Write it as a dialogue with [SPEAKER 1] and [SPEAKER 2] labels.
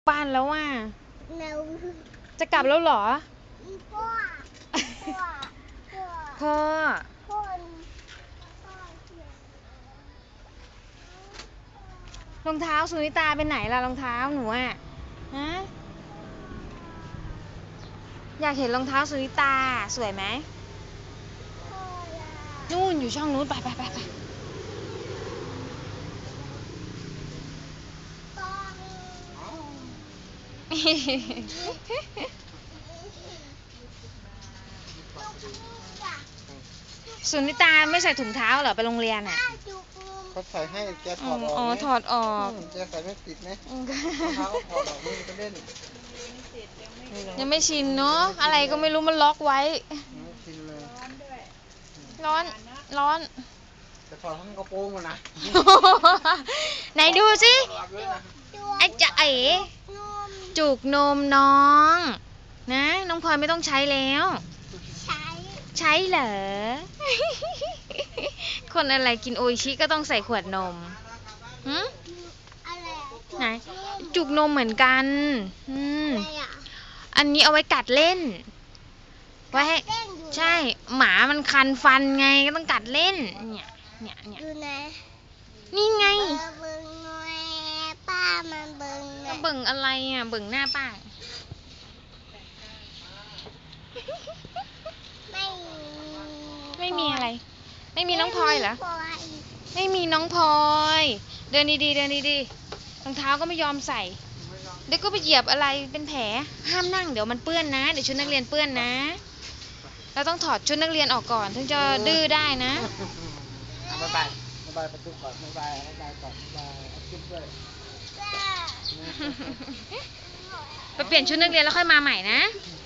[SPEAKER 1] บ้านแล้วอ่ะ
[SPEAKER 2] เรา
[SPEAKER 1] จะกลับแล้วเหรอ
[SPEAKER 2] พ่อพ่อพ่อ
[SPEAKER 1] พ่อ
[SPEAKER 2] พ่อ
[SPEAKER 1] รองเท้าสุนิตาเป็นไหนล่ะรองเท้าหนูอ่ะฮะอยากเห็นรองเท้าสุนิตาสวยไหมนู่นอยู่ช่องนู้นไปไปไปไป สุนิตาไม่ใส่ถุงเท้าเหรอไปโรงเรียนอ่ะ
[SPEAKER 3] เขาใส่ให้แกถ
[SPEAKER 1] อ๋
[SPEAKER 3] อดออก
[SPEAKER 1] อ
[SPEAKER 3] ไหม
[SPEAKER 1] ถอดออก
[SPEAKER 3] แกใส่ไม่ติดไหมรองเท้าก็ถอดออกมือก็เล่น
[SPEAKER 1] ยังไม่ชินเนาะอะไรก็ไม่รู้มันล็อกไว้
[SPEAKER 3] ไม่ชินเลย
[SPEAKER 1] ร้อนร้อน
[SPEAKER 3] จะถอดทั้งกระโปรงมานะ
[SPEAKER 1] ไหนดูสิไอ้จะเอ๋จุกนมน้องนะน้องพลอยไม่ต้องใช้แล้ว ใช้เหรอ คนอะไรกินโออิชิก็ต้องใส่ขวดนมหึไหนจุกนมเหมือนกันอันนี้เอาไว้กัดเล่นไว้ให้ใช่หมามันคันฟันไงก็ต้องกัดเล่นเนี่ย
[SPEAKER 2] ดูนะ
[SPEAKER 1] นี่ไง
[SPEAKER 2] เบิ่งหน่อยป้ามันเบิ่งหน่
[SPEAKER 1] ก็
[SPEAKER 2] อย
[SPEAKER 1] เบิ่งอะไรอ่ะเบิ่งหน้าป้า ไม่มีอะไร ไม่มีน้องพลอยเหรอ ไม่มีน้องพลอย เดินดีๆเดินดีๆรองเท้าก็ไม่ยอมใส่ เดี๋ยวก็ไปเหยียบอะไรเป็นแผล ห้ามนั่งเดี๋ยวมันเปื้อนนะ เดี๋ยวชุดนักเรียนเปื้อนนะ เราต้องถอดชุดนักเรียนออกก่อนถึงจะดื้อได้นะ
[SPEAKER 3] บ๊ายบายบ๊ายบายประตูก่อนบ๊ายบายบ๊ายบายก่อนบ๊ายบายเอาคลิปด้วย
[SPEAKER 1] ไปเปลี่ยนชุดนักเรียนแล้วค่อยมาใหม่นะ
[SPEAKER 3] อื